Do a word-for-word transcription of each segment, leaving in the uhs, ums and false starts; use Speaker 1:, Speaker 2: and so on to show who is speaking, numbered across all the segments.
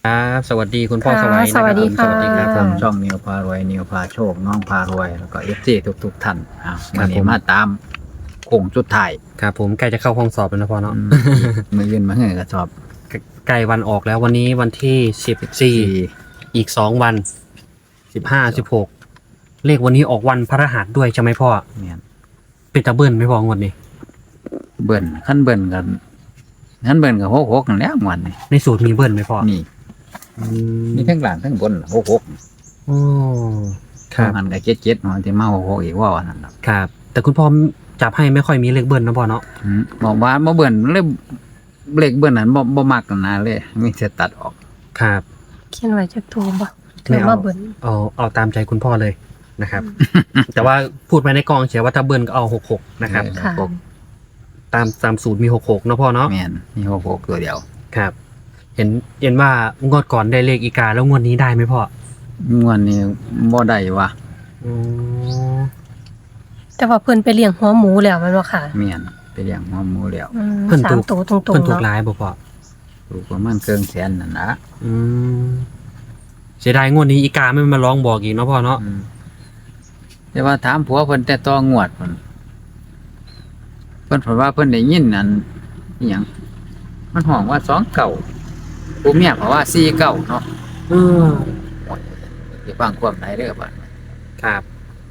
Speaker 1: ครับสวัสดีคุณพ่อ
Speaker 2: ค่ะ
Speaker 1: สวัยนะ
Speaker 2: สวัสดี
Speaker 1: ครับผม
Speaker 2: ค่ะ
Speaker 1: สวัสดีครับ
Speaker 3: ทางช่องนิวพารวยนิวพาโชคน้องพารวยแล้วก็เอฟซีทุกทุกๆท่านอ่า
Speaker 1: ครั
Speaker 3: วั
Speaker 1: บ
Speaker 3: น
Speaker 1: ผ
Speaker 3: นี้
Speaker 1: ม
Speaker 3: มาตามโค้งสุดท้าย
Speaker 1: ครับผมใกล้จะเข้าห้องสอบแล้วนะพ่อเนาะ
Speaker 3: อืมมือยืนมาเหือกระสอบ
Speaker 1: ใกล้วันออกแล้ววันนี้วันที่สิบสี่อีกสองวันสิบห้าสิบหกเลขวันนี้ออกวันพฤหัสด้วยใช่ไหมพ่อ
Speaker 3: เนี่ย
Speaker 1: เป็นตะเบิ้ลไหม่พองวันนี้
Speaker 3: เบิ่นขั้นเบิ่นกันขั้นเบิ่นกับหกหกนั่นแหล้ววันนี้
Speaker 1: ในสูตรมีเบิ้ลไหมพ่อ
Speaker 3: นี่
Speaker 1: อืม
Speaker 3: นี่ทั้งหลังทั้งบนหกหก
Speaker 1: โอ้ครับ
Speaker 3: หันกับเจ็ดเจ็ดมันที่มาหกหกอีกว่าวันนั้นน่ะ
Speaker 1: ครับ แต่คุณพ่อจับให้ไม่ค่อยมีเลขเบิ้ลนะพ่อเนาะ
Speaker 3: อืมบอกว่าบ่เบิ่นเลยเลขเบิ่นนั้นบ่บ่มักกันนะเลยมีแต่ตัดออก
Speaker 1: ครับ
Speaker 2: เขียนไว้จากตัวบ่
Speaker 1: ไม่
Speaker 2: ถือ
Speaker 1: เอา
Speaker 2: ว่าเบิ่น
Speaker 1: เอาเอาตามใจคุณพ่อเลยนะครับ แต่ว่าพูดไปในกองเฉยว่าถ้าเบิ้ลก็เอาหกหกนะครับ
Speaker 3: เออ
Speaker 2: ค่ะ
Speaker 3: หก
Speaker 1: ตามตามสูตรมีหกหกเนาะพ่อเนาะ
Speaker 3: แม่นมีหกหกตัวเดียว
Speaker 1: ครับ เห็นเห็นว่างวดก่อนได้เลขอีกาแล้วงวดนี้ได้ไหมพ่อง
Speaker 3: วดนี้บ่ได้ว่ะ
Speaker 1: อ๋อ
Speaker 2: แต่ว่าเพิ่นไปเลี้ยงหัวหมูแล้วแมันบ่ค่ะ
Speaker 3: แม่นไปเลี้ยงหัวหมูแล้ว
Speaker 2: อืมสามตัวตรง
Speaker 1: เพิ่น
Speaker 2: ๆ
Speaker 1: ถูก
Speaker 2: เนาะ
Speaker 1: ร้ายบ่พ่อ
Speaker 3: ถูกประมาณเกินแสนนั่นนะ
Speaker 1: อืมเสียดายงวดนี้อีกาไม่มาร้องบอกอีกเนาะพ่อเนาะ
Speaker 3: อืมแต่ว่าถามผัวเพิ่นแต่ต่องวดเพิ่นเพิ่นเพิ่นว่าเพิ่นได้ยินนั่นอิหยังมันห้องว่าสองเก่าผู้เมียเพราะว่าสี่เก่าเนาะ
Speaker 1: อืม
Speaker 3: สิฟังความไหนเด้อบัด
Speaker 1: ครับ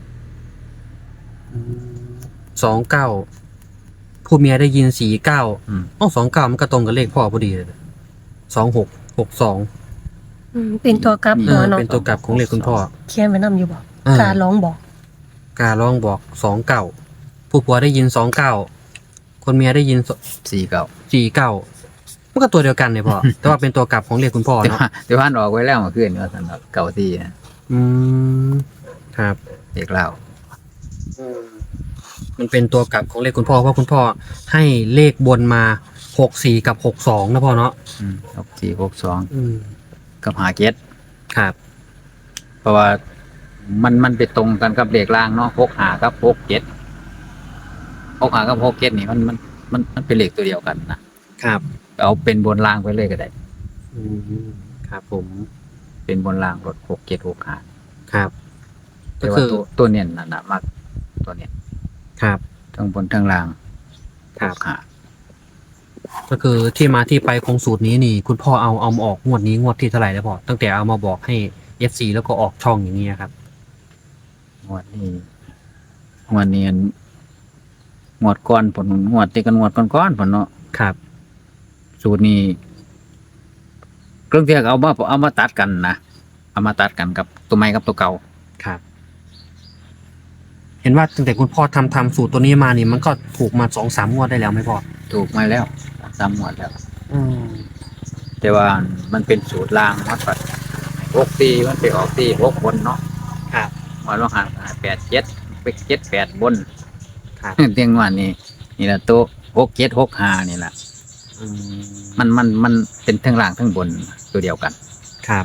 Speaker 1: สองเก้าผู้เมียได้ยินสี่เก้า
Speaker 3: อืม
Speaker 1: อ๋อสองเก้ามันก็ตรงกับเลขพ่อพอดีเลยสองหกหกสอง
Speaker 2: อืมเป็นตัวกลับ
Speaker 1: เอ
Speaker 2: หัว
Speaker 1: อ
Speaker 2: เนาะ
Speaker 1: เป็นตัวกลับของเลขคุณพ่อ
Speaker 2: เขียนไว้นำอยู่บ่
Speaker 1: เออ
Speaker 2: การร้องบอก
Speaker 1: การร้องบอกสองเก้าผู้ผัวได้ยินสองเก้าคนเมียได้ยิน
Speaker 3: สี่เก่า
Speaker 1: สี่เก้ามันก็ตัวเดียวกันเนี่ยพ่อ แต่ว่าเป็นตัวกลับของเลขคุณพ่อ
Speaker 3: แต่
Speaker 1: เนาะ
Speaker 3: ว่าแต่ว่าอันออกไว้แล้วเมื่อคืนว่าซั่นเนาะเก่าสี่นะ
Speaker 1: อืมครับ
Speaker 3: เด็กเล่า
Speaker 1: มันเป็นตัวกลับของเลขคุณพ่อเพราะคุณพ่อให้เลขบนมาหกสี่กับหกสองนะพ่อเนาะ
Speaker 3: อืมหกสี่หกสอง
Speaker 1: อืม
Speaker 3: กับหาเจ็ด
Speaker 1: ครับ
Speaker 3: เพราะว่ามันมันไปตรงกันกับเลขล่างเนาะหกหากับหกเจ็ดหกหากับหกเจ็ดนี่มันมันมันมันเป็นเลขตัวเดียวกันนะครับ เอาเป็นบนล่างไปเลยก็ได้
Speaker 1: อืมครับผม
Speaker 3: เป็นบนล่างรถหกเจ็ดหกหา
Speaker 1: ครับ
Speaker 3: แต่
Speaker 1: ก็
Speaker 3: ว่า
Speaker 1: คือ
Speaker 3: ตัวตัวเนียนน่ะนะมากตัวเนียน
Speaker 1: ครับ
Speaker 3: ทั้งบนทั้งล่าง
Speaker 1: ครับ
Speaker 3: หกหา
Speaker 1: ก็คือที่มาที่ไปของสูตรนี้นี่ คุณพ่อเอาเอามาออกงวดนี้งวดที่เท่าไหร่แล้วพ่อตั้งแต่เอามาบอกให้ เอฟ ซี แล้วก็ออกช่องอย่างนี้ครับ
Speaker 3: งวดนี้งวดนี้อันงวดก้อนผลงวดที่กันงวดก้อนก้อนผลเนาะ
Speaker 1: ครับ
Speaker 3: สูตรนี้เครื่องเทียกเอามาเอามาตัดกันนะเอามาตัดกันกับตัวใหม่กับตัวเก่า
Speaker 1: ครับ เห็นว่าตั้งแต่คุณพ่อทำทำสูตรตัวนี้มานี่มันก็ถูกมาสองสามงวดได้แล้วไหมพ่อ
Speaker 3: ถูกมาแล้วสามงวดแล้ว
Speaker 1: อืม
Speaker 3: แต่ว่ามันเป็นสูตรล่างมัดปัดหกตีมันไปออกตีหกบนเนาะ
Speaker 1: ครับ
Speaker 3: มาลองหาแปดเจ็ดไปเจ็ดแปดบน
Speaker 1: ครับ
Speaker 3: เตียงวันนี้นี่แหละตัวหกเจ็ดหกห้านี่แหละ
Speaker 1: อืม
Speaker 3: มันมันมันเป็นทั้งล่างทั้งบนตัวเดียวกัน
Speaker 1: ครับ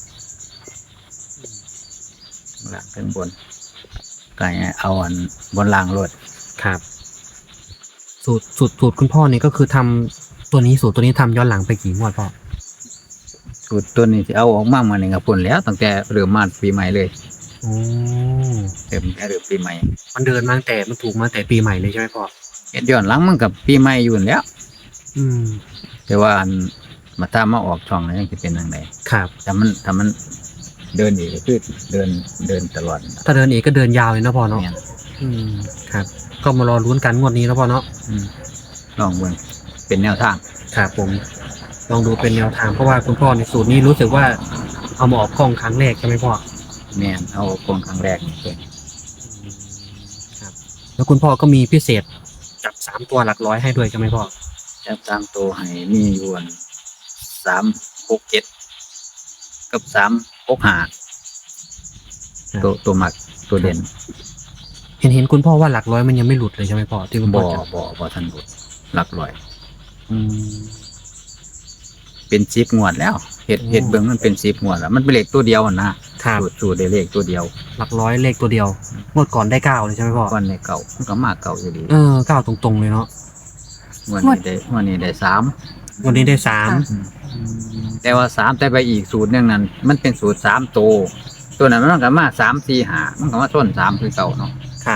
Speaker 3: ทั้งล่างทั้งบนก็ให้เอาอันบนล่างรถ
Speaker 1: ครับ สูตรสูตรสูตรคุณพ่อนี่ก็คือทำตัวนี้สูตรตัวนี้ทำย้อนหลังไปกี่งวดพ่อ
Speaker 3: สูตรตัวนี้ที่เอาออกมาเมื่อหนึ่งกับปุ่นแล้วตั้งแต่เริ่มมาปีใหม่เลย
Speaker 1: โอ้
Speaker 3: เริ่มแค่เริ่มปีใหม่
Speaker 1: มันเดินมาตั้งแต่มันถูกมาแต่ปีใหม่เลยใช่ไหมพ่อ
Speaker 3: เฮ็ดย้อนหลังมันกับปีใหม่อยู่นั่นแหล้ว
Speaker 1: อืม
Speaker 3: แต่ว่าอันมาถ้ามาออกช่องแล้วยังจะเป็นยังไง
Speaker 1: ครับ
Speaker 3: ถ้ามันถ้ามันเดินอีกก็คือเดินเดินตลอด
Speaker 1: ถ้าเดินอีกก็เดินยาวเลยนะพ่อเนาะ
Speaker 3: เนี่ย
Speaker 1: อืมครับ ก็มารอลุ้นกันงวดนี้นะพ่อเนาะ
Speaker 3: อืมลองเบิ่งเป็นแนวทาง
Speaker 1: ครับผม ลองดูเป็นแนวทางเพราะว่าคุณพ่อในสูตรนี้รู้สึกว่าเอามาออกกล้องครั้งแรกใช่ไหมพ่อ
Speaker 3: แม่นเอาโครงครั้งแรกนี่เป็น
Speaker 1: ครับแล้วคุณพ่อก็มีพิเศษจับสามตัวหลักร้อยให้ด้วยใช่ไหมพ่อ
Speaker 3: จับตามตัวให้มีอยู่อันสามหกเจ็ดกับสามหกห้าตัวตัวหมักตัวเด่น
Speaker 1: เห็นเห็นคุณพ่อว่าหลักร้อยมันยังไม่หลุดเลยใช่ไหมพ่อที่คุณพ่
Speaker 3: บ่
Speaker 1: อจับ
Speaker 3: บ่บ่ทันบุดหลักร้อย
Speaker 1: อืม
Speaker 3: เป็นสิบงวดแล้วเฮ็ด
Speaker 1: โอ้
Speaker 3: เฮ็ดเบิ่งมันเป็นสิบงวดแล้วมันเป็นเลขตัวเดียวอะนะครับ สูตรสูตรได้เลขตัวเดียว
Speaker 1: หลักร้อยเลขตัวเดียวงวดก่อนได้เก้าเลยใช่ไหมพ่อ
Speaker 3: ก้อนในเก่ามันก็มากเก่าอยู่ดี
Speaker 1: เออเก้าตรงๆเลยเนาะ
Speaker 3: งวดนี้ได้งวดนี้ได้สาม
Speaker 1: อวันนี้ได้สาม
Speaker 2: ค่ะ
Speaker 3: แต่ว่าสามแต่ไปอีกสูตรหนึงนั้นมันเป็นสูตรสามตัวตัวนั้นมันก็มาสามสี่ห้ามันก็มาส้นสามคือเก่าเนาะ
Speaker 1: ครับ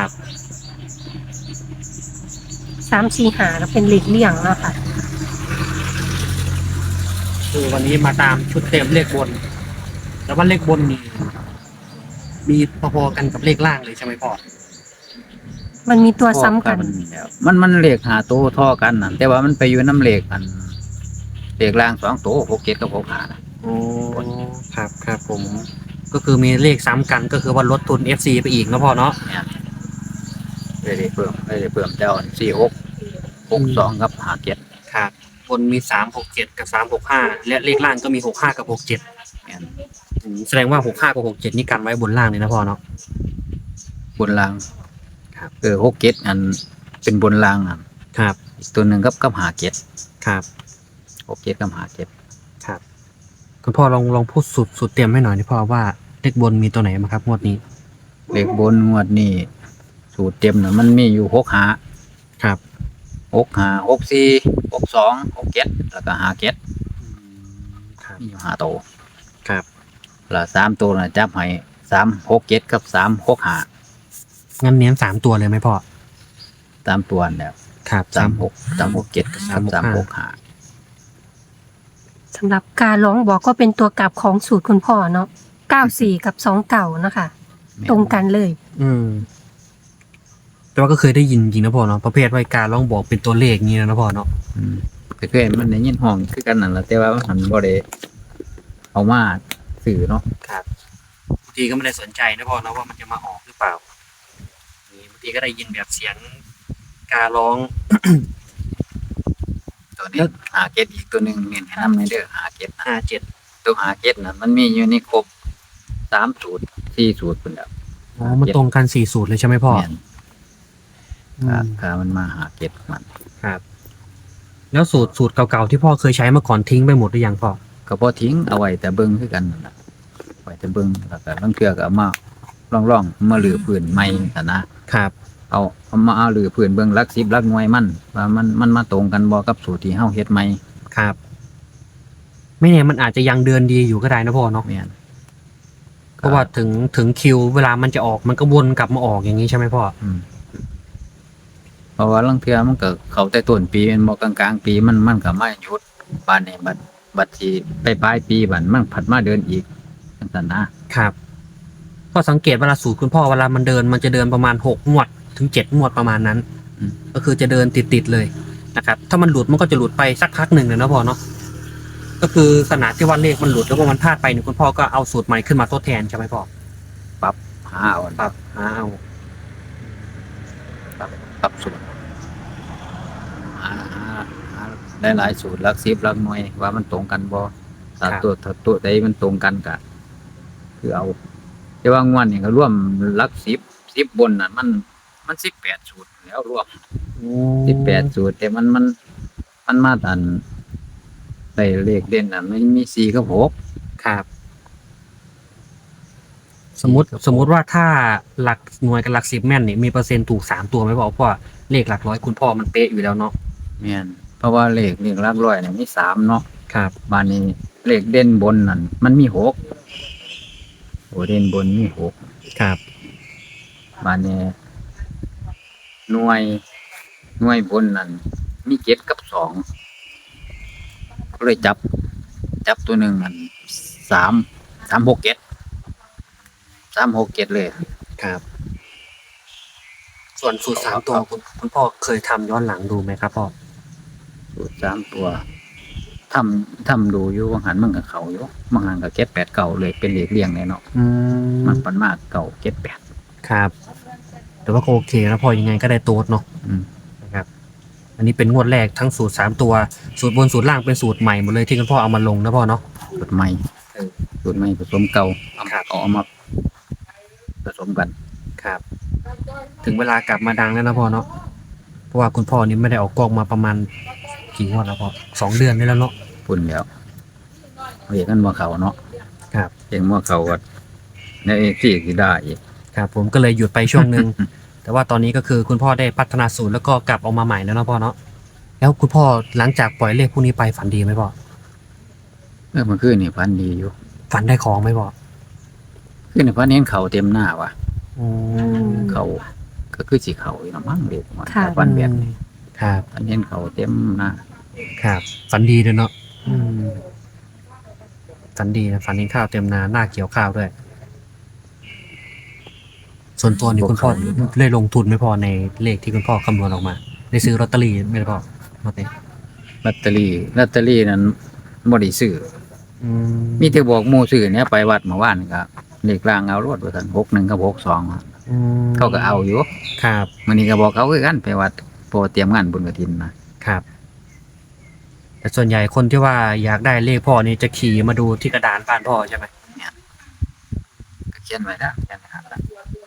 Speaker 2: สามสี่หาก็เป็นหลีกเลี่ยงเนาะค่ะ
Speaker 1: คือวันนี้มาตามชุดเต็มเลขบน แล้วว่าเลขบนมีมีพอๆกันกับเลขล่างเลยใช่ไหมพ่อ
Speaker 2: มันมีตัวซ้ำกัน
Speaker 3: แล้วมันมันเลขหาตัวท่อกันนั่นแต่ว่ามันไปอยู่น้ำเลขอันเลขล่างสองตัวหกเจ็ดกับหกห้านะ
Speaker 1: โอ้ครับครับผม ก็คือมีเลขซ้ำกันก็คือว่าลดทุน เอฟ ซี ไปอีกนะพ่อเนาะ
Speaker 3: เนี่ยเลยได้เพิ่มเลยได้เพิ่มเจ้าสี่หกหกสองกับห้าเจ็ด
Speaker 1: ครับบนมีสามหกเจ็ดกับสามหกห้าและเลขล่างก็มีหกห้ากับหกเจ็ด
Speaker 3: เนี่ย
Speaker 1: แสดงว่าหกห้ากับหกเจ็ดนี่กันไว้บนล่างเลยนะพ่อเนาะ
Speaker 3: บนล่าง
Speaker 1: ครับ
Speaker 3: เออหกเจ็ดอันเป็นบนล่างอัน
Speaker 1: ครับ
Speaker 3: อีกตัวหนึ่งกับกับห้าเจ็ด
Speaker 1: ครับ
Speaker 3: หกเจ็ดกับห้าเจ็ด
Speaker 1: ครับคุณพ่อลองลองพูดสุดสุดเตรียมให้หน่อยดิพ่อว่าเลขบนมีตัวไหนมาครับงวดนี้
Speaker 3: เลขบนงวดนี้สูตรเต็มน่ะมันมีอยู่หกห้า
Speaker 1: ครับ
Speaker 3: หกห้าหกสี่หกสองหกเจ็ดแล้วก็ห้าเจ็ด
Speaker 1: ครับ
Speaker 3: มีอยู่ห้าตัว
Speaker 1: ครับ
Speaker 3: แล้วสามตัวน่ะจับให้สามหกเจ็ดกับสามหกห้า
Speaker 1: งั้นเน้นสามตัวเลยไหมพ่อ
Speaker 3: สามตัวนั่นแหล้ว
Speaker 1: ครับ
Speaker 3: สามหกสามหกเจ็ดกับสามสามหกห้า
Speaker 2: สำหรับการร้องบอกก็เป็นตัวกลับของสูตรคุณพ่อเนาะเก้าสี่กับสองเก่านะคะ ตรงกันเลย
Speaker 1: อืมแต่ว่าก็เคยได้ยินจริงนะพ่อเนาะประเภทว่าการร้องบอกเป็นตัวเลขนี้นะพ่อเนาะ
Speaker 3: อืมแต่เคยมันได้ยินห้องคือกันนั่นแหละแต่ว่ามันบ่ได้เอามาสื่อเนาะ
Speaker 1: ครับบางทีก็ไม่ได้สนใจนะพ่อเนาะว่ามันจะมาออกหรือเปล่านี่บางทีก็ได้ยินแบบเสียงการร้อง
Speaker 3: ตัวนี้หาเก็ดอีกตัวหนึ่งเน้นให้นำในเด้อหาเก็ดนะ
Speaker 1: ห้าเจ็ด
Speaker 3: ตัวหาเก็ดน่ะมันมีอยู่ในครบสามสูตรสี่สูตรพุ่นแล้ว
Speaker 1: อ๋อมันตรงกันสี่สูตรเลยใช่ไหมพ่อ
Speaker 3: แม่น
Speaker 1: อื
Speaker 3: ครับ
Speaker 1: ม
Speaker 3: ครับมันมาหาเก็ดมัน
Speaker 1: ครับ แล้วสูตรสูตรเก่าๆที่พ่อเคยใช้มาก่อนทิ้งไปหมดหรือยังพ่อ
Speaker 3: ก็บ่ทิ้งเอาไว้แต่เบิ่งคือกันนั่นล่ะไว้แต่เบิ่งแล้วก็ลางเทื่อก็เอามาล่องๆมาลือพื้นใหม่ซั่นนะครับ เอาเอามาเอาลือพื้นเบิ่งหลักสิบหลักหน่วยมันว่ามันมันมาตรงกันบ่กับสูตรที่เฮาเฮ็ดใหม่
Speaker 1: ครับ ไม่แน่มันอาจจะยังเดือนดีอยู่ก็ได้นะพ่อเนาะ
Speaker 3: แม่น
Speaker 1: เพราะว่าถึงถึงคิวเวลามันจะออกมันก็วนกลับมาออกอย่างนี้ใช่ไหมพ่อ
Speaker 3: อืมเพราะว่าลางเทื่อมันก็เข้าแต่ต้นปีแม่นบ่กลางๆปีมันมันก็มาหยุดบานนี้บัดบัดที่ไปปลายปีบัดมันผัดมาเดินอีกจังซั่นนะครับ
Speaker 1: ก็สังเกตเวลาสูตรคุณพ่อเวลามันเดินมันจะเดินประมาณหกงวดถึงเจ็ดงวดประมาณนั้น
Speaker 3: อืม
Speaker 1: ก็คือจะเดินติดๆเลยนะครับถ้ามันหลุดมันก็จะหลุดไปสักพักหนึ่งเลยนะพ่อเนาะก็คือขนาดที่ว่าเลขมันหลุดแล้วก็มันพลาดไปเนี่ยคุณพ่อก็เอาสูตรใหม่ขึ้นมาทดแทนใช่ไหมพ่อ
Speaker 3: ปรับหาเอา
Speaker 1: ปรับหาเอา
Speaker 3: ปรับปรับสูตรหาหาหาหลายๆสูตรหลักสิบหลักหน่วยว่ามันตรงกันบ่ถ้าตัวถ้าตัวใดมันตรงกันก็คือเอา แต่ว่างวดนี่ก็ร่วมหลักสิบสิบบนน่ะมันมันสิบแปดสูตรแล้วรวมสิบแปดสูตรแต่มันมันมันมาตันได้เลขเด่นน่ะมันมีสี่กับหก
Speaker 1: ครับ สมมติสมมติว่าถ้าหลักหน่วยกับหลักสิบแม่นเนี่ยมีเปอร์เซ็นต์ถูกสามตัวไหมพ่อเพราะว่าเลขหลักร้อยคุณพ่อมันเป๊ะอยู่แล้วเนาะ
Speaker 3: แม่นเพราะว่าเลขเลขหลักร้อยเนี่ยมีสามเนาะ
Speaker 1: ครับ
Speaker 3: บานนี้เลขเด่นบนนั่นมันมีหกโอ้เด่นบนมีหก
Speaker 1: ครับ
Speaker 3: บานนี้หน่วยหน่วยบนนั่นมีเจ็ดกับสองก็เลยจับ จับตัวหนึ่งอันสามสามหกเจ็ดสามหกเจ็ดเลย
Speaker 1: ครับ ส่วนสูตรสามตัวคุณคุณพ่อเคยทำย้อนหลังดูไหมครับพ่อ
Speaker 3: สูตรสามตัวทำทำดูอยู่บางหันมันกับเขาอยู่บางหันกับเจ็ดแปดเก่าเลยเป็นเลขเรียงเลยเนาะ
Speaker 1: อืม
Speaker 3: มันปันมากเก่าเจ็ดแปด
Speaker 1: ครับ แต่ว่าก็โอเคแล้วพอยังไงก็ได้โต๊ดเนาะ
Speaker 3: อืม
Speaker 1: นะครับ อันนี้เป็นงวดแรกทั้งสูตรสามตัว สูตรบนสูตรล่างเป็นสูตรใหม่หมดเลยที่คุณพ่อเอามาลงนะพ่อเนาะ
Speaker 3: สูตรใหม่
Speaker 1: เออ
Speaker 3: สูตรใหม่ผสมเก่าเอา
Speaker 1: ครับ
Speaker 3: เอามาผสมกัน
Speaker 1: ครับ ถึงเวลากลับมาดังแล้วนะพ่อเนาะ เพราะว่าคุณพ่อนี่ไม่ได้ออกกล้องมาประมาณกี่งวดแล้วพ่อสองเดือนได้แล้วเนาะ
Speaker 3: ปุ่นแล้วเรียกกันว่าเขาเนาะ
Speaker 1: ครับ
Speaker 3: เรียกว่าเขาก็ในเอที่ที่ได้อีก
Speaker 1: ครับผมก็เลยหยุดไปช่วงหนึ่ง แต่ว่าตอนนี้ก็คือคุณพ่อได้พัฒนาสูตรแล้วก็กลับออกมาใหม่แล้วเนาะพ่อเนาะ แนแล้วคุณพ่อหลังจากปล่อยเลขพวกนี้ไปฝันดีไหมพ่อ
Speaker 3: เออมันคืนนี่ฝันดีอยู่
Speaker 1: ฝันได้ของไหมพ่อ
Speaker 3: คืนนี่ฝันเห็นเขาเต็มหน้าว่ะ
Speaker 1: อืม
Speaker 3: เขาก็คือสิเขาอยู่นะมั้งเด็กว่า
Speaker 2: ค่ะ
Speaker 3: ฝันแบบนี้
Speaker 1: ครับ
Speaker 3: ฝันเห็นเขาเต็มหน้า
Speaker 1: ครับฝันดีเลยเนาะอืมฝันดีนะฝันเห็นข้าวเต็มนาหน้าเกี่ยวข้าวด้วย ส่วนตัวนี่คุณพ่อได้ลงทุนไหมพ่อในเลขที่คุณพ่อคำนวณออกมาได้ซื้อลอตเตอรี่ไหมพ่อลอตเตอรี่
Speaker 3: ลอตเตอรี่ลอตเตอรี่นั้นบ่ได้ซื้อ
Speaker 1: อืม
Speaker 3: มีแต่บอกหมู่ซื้อเนี่ยไปวัดเมื่อวานก็เลขรางเอารถว่าซั่นหกหนึ่งกับหกสอง
Speaker 1: อืม
Speaker 3: เขาก็เอาอยู่
Speaker 1: ครับ
Speaker 3: มื้อนี้ก็บอกเขาคือกันไปวัดโปรเตรียมงานบุญกฐินนะครับ
Speaker 1: แต่ส่วนใหญ่คนที่ว่าอยากได้เลขพ่อนี่จะขี่มาดูที่กระดานบ้านพ่อใช่ไหม
Speaker 3: ก็เขียนไว้แล้วเขียนไว้แล้ว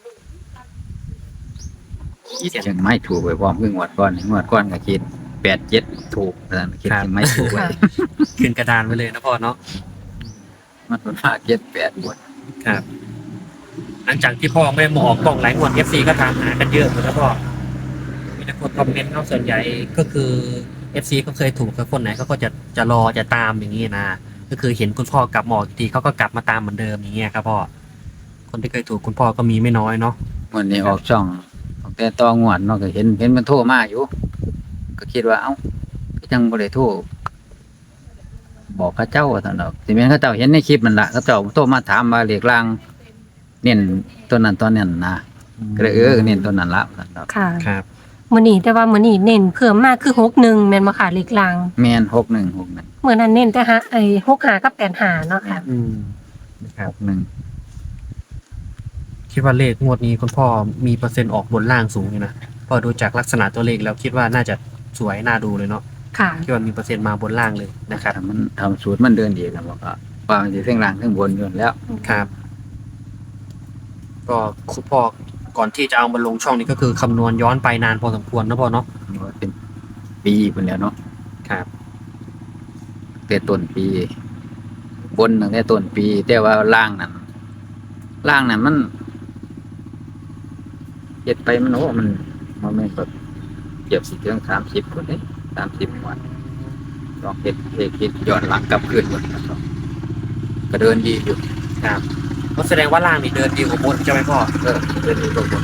Speaker 3: คิดจังไม่ถูกไว้พร้อมคืองวดก่อนงวดก่อนก็คิดแปดเจ็ดถูกนั่นคิดจังไม่ถูกไว้
Speaker 1: ขึ้นกระดานไว้เลยนะพ่อเนาะ
Speaker 3: มันเป็นว่าเจ็ดแปดบท
Speaker 1: ครับ หลังจากที่พ่อไม่ได้มาออกกล้องหลายงวด เอฟ ซี ก็ถามหากันเยอะเหมือนกันพ่อมีแต่คนคอมเมนต์เขาส่วนใหญ่ก็คือ เอฟ ซี ก็เคยถูกกับคนไหนเขาก็จะจะรอจะตามอย่างนี้นะก็คือเห็นคุณพ่อกลับมาออกอีกทีเขาก็กลับมาตามเหมือนเดิมอย่างเงี้ยครับพ่อคนที่เคยถูกคุณพ่อก็มีไม่น้อยเนาะ
Speaker 3: วันนี้ออกช่องออกแต่ตองวดเนาะก็เห็นเห็นมันโทรมาอยู่ ก็คิดว่าเอ้าก็ยังบ่ได้โทรบอกเขาเจ้าว่าซั่นดอกสิแม่นเขาเจ้าเห็นในคลิปนั่นล่ะเขาเจ้าโทรมาถามว่าเลขรางเน้นตัวนั้นตัวนั้นนะก็เลยเออเน้นตัวนั้นละว่าซั่นดอก
Speaker 2: ค่ะ
Speaker 1: ครับ
Speaker 2: มื้อนี้แต่ว่ามื้อนี้เน้นเพิ่มมากคือหกหนึ่งแม่นบ่ค่ะเลขลาง
Speaker 3: แม่นหกหนึ่ง หกหนึ่ง
Speaker 2: เมื่อนั้นเน้นแต่หาไอ้หกห้ากับแปดห้าเนาะค่ะ
Speaker 1: อืมครับ
Speaker 3: หกหนึ่ง
Speaker 1: คิดว่าเลขงวดนี้คุณพ่อมีเปอร์เซ็นต์ออกบนล่างสูงอยู่นะพอดูจากลักษณะตัวเลขแล้วคิดว่าน่าจะสวยน่าดูเลยเนาะ
Speaker 2: ค่ะ
Speaker 1: คิดว่ามีเปอร์เซ็นต์มาบนล่างเลยนะครับ
Speaker 3: ถ้ามันทำสูตรมันเดินดีกันบอกว่าว่ามันสิเทั้งล่างเทั้งบนอยู่แล้ว
Speaker 1: ครับ ก็คุณพ่อก่อนที่จะเอามาลงช่องนี้ก็คือคำนวณย้อนไปนานพอสมควรนะพ่อเนาะ
Speaker 3: ว่าเป็นปีพุ่นแล้วเนาะ
Speaker 1: ครับ
Speaker 3: แต่ต้นปี บนตั้งแต่ต้นปี แต่ว่าล่างนั้นล่างนั้นมันเฮ็ดไปมันโอ้มันมันไม่นแบบเกือบสิถึงสามสิบคนเด้สามสิบวันลองเฮ็ดเฮ็ดเฮ็ดย้อนหลังกลับคืนหมดนะครับก็เดินดีอยู่
Speaker 1: ครับก็แสดงว่าล่างนี่เดินดีกว่าบนใช่ไหมพ่อ
Speaker 3: เออเดินดีกว่าบน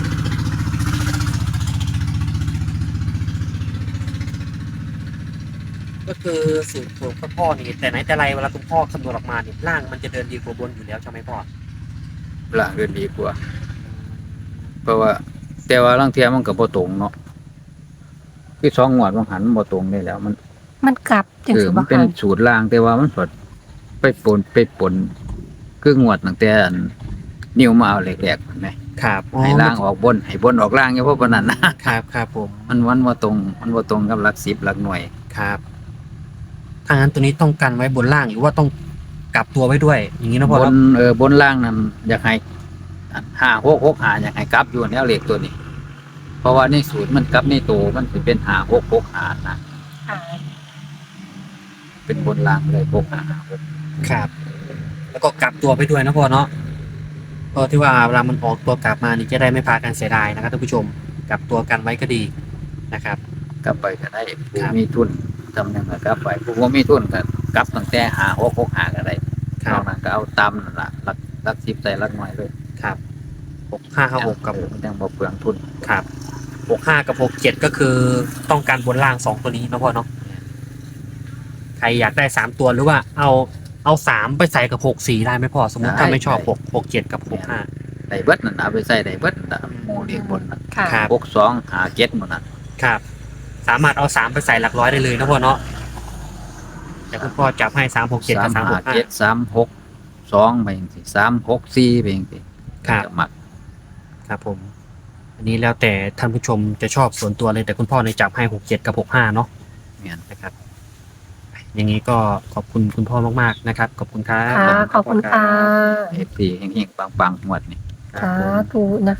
Speaker 1: ก็คือสูตรของคุณพ่อนี่แต่ไหนแต่ไรเวลาคุณพ่อคำนวณออกมาเนี่ยล่างมันจะเดินดีกว่าบนอยู่แล้วใช่ไหมพ่อ
Speaker 3: ล่างเดินดีกว่า เพราะว่า แต่ว่าลางเที่ยมันก็บ่ตรงเนาะคือสองงวดมันหันบ่ตรงได้แล้ว มัน
Speaker 2: มันกลับจัง
Speaker 3: เออ
Speaker 2: สิ
Speaker 3: มั
Speaker 2: บ่
Speaker 3: นเป็น
Speaker 2: ค่ะ
Speaker 3: สูตรล่างแต่ว่ามันสดไปปนไปปนคืองวดตั้งแต่อันนิ้วมาเอาแหลกๆเห็นไหม
Speaker 1: ครับ
Speaker 3: ให้ล่างออกบนให้บนออกล่างอย่าเพราะปานนั้นนะครับ
Speaker 1: ครับผม
Speaker 3: มันวันบ่ตรง มันบ่ตรงกับหลักสิบหลักหน่วย
Speaker 1: ครับถ้างั้นตัวนี้ต้องกันไว้บนล่างหรือว่าต้องกลับตัวไว้ด้วย อย่างนี้นะพ่อบ
Speaker 3: น
Speaker 1: เนาะ
Speaker 3: เออบนล่างนั้นอยากให้ห้าหกหกห้าอยากให้กลับอยู่แล้วเลขตัวนี้ เพราะว่าในสูตรมันกลับในตัวมันสิเป็นห้าหกหกห้านะ
Speaker 2: ค่ะ
Speaker 3: เป็นบนล่างเลยหกห้าหก
Speaker 1: ครับ แล้วก็กลับตัวไปด้วยนะพ่อเนาะก็ที่ว่าเวลามันออกตัวกลับมานี่จะได้ไม่พากันเสียดายนะครับท่านผู้ชมกลับตัวกันไว้ก็ดีนะครับ
Speaker 3: กลับไปก็ได้ผู้
Speaker 1: ครับ
Speaker 3: มีทุนจำหนึ่งก็กลับไปผู้บ่มีทุนก็กลับตั้งแต่ห้าหกหกห้าก็ได้
Speaker 1: คน รั
Speaker 3: อบ กนั้นก็เอาตามนั่นล่ะหลักหลักสิบใส่หลักหน่วยเลย
Speaker 1: ครับหกห้าห้าหกกับ
Speaker 3: เออมันยังบ่เปลืองทุน
Speaker 1: ครับหกห้ากับหกเจ็ดก็คือต้องการบนล่างสองตัวนี้นะพ่อเนาะใครอยากได้สามตัวหรือว่าเอาเอาสามไปใส่กับหกสี่ได้ไหมพ่อสมมติถ้าไม่ชอบหกหกเจ็ดกับหกห้า
Speaker 3: ได้เบิดนั่นเอาไปใส่ได้เบิดน่ะหมู่เลขบนนั่น
Speaker 2: ค่ะ
Speaker 1: ครับ
Speaker 3: หกสองหาเจ็ดหมดนั่น
Speaker 1: ครับ สามารถเอาสามไปใส่หลักร้อยได้เลยนะพ่อเนาะแต่คุณพ่อจับให้สามหกเจ็ดกับสามหกห้า
Speaker 3: เจ็ดสามหกสองไปจังซี่สามหกสี่ไปจังซี่
Speaker 1: ครับ
Speaker 3: จะมัก
Speaker 1: ครับผม อันนี้แล้วแต่ท่านผู้ชมจะชอบส่วนตัวเลยแต่คุณพ่อในยจับให้หกเจ็ดกับหกห้าเนาะ
Speaker 3: แม่น
Speaker 1: นะครับ อย่างนี้ก็ขอบคุณคุณพ่อมากๆนะครับ ขอบคุณครับ
Speaker 2: ค่ะขอบคุณค่ะ
Speaker 3: เอฟซีเฮงๆปังๆงวดนี่
Speaker 1: ครับ
Speaker 2: สา
Speaker 1: ผม
Speaker 2: ธุนะคะ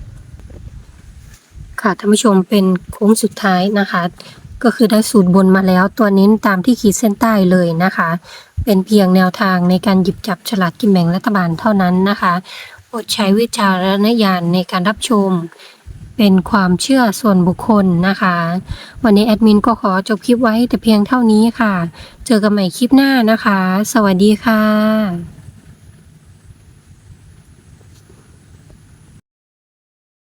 Speaker 2: ค่ะท่านผู้ชมเป็นโค้งสุดท้ายนะคะ ก็คือได้สูตรบนมาแล้วตัวเน้นตามที่ขีดเส้นใต้เลยนะคะ เป็นเพียงแนวทางในการหยิบจับฉลากกินแบ่งรัฐบาลเท่านั้นนะคะโปรดใช้วิจารณญาณในการรับชมเป็นความเชื่อส่วนบุคคลนะคะ วันนี้แอดมินก็ขอจบคลิปไว้แต่เพียงเท่านี้ค่ะ เจอกันใหม่คลิปหน้านะคะ สวัสดีค่ะ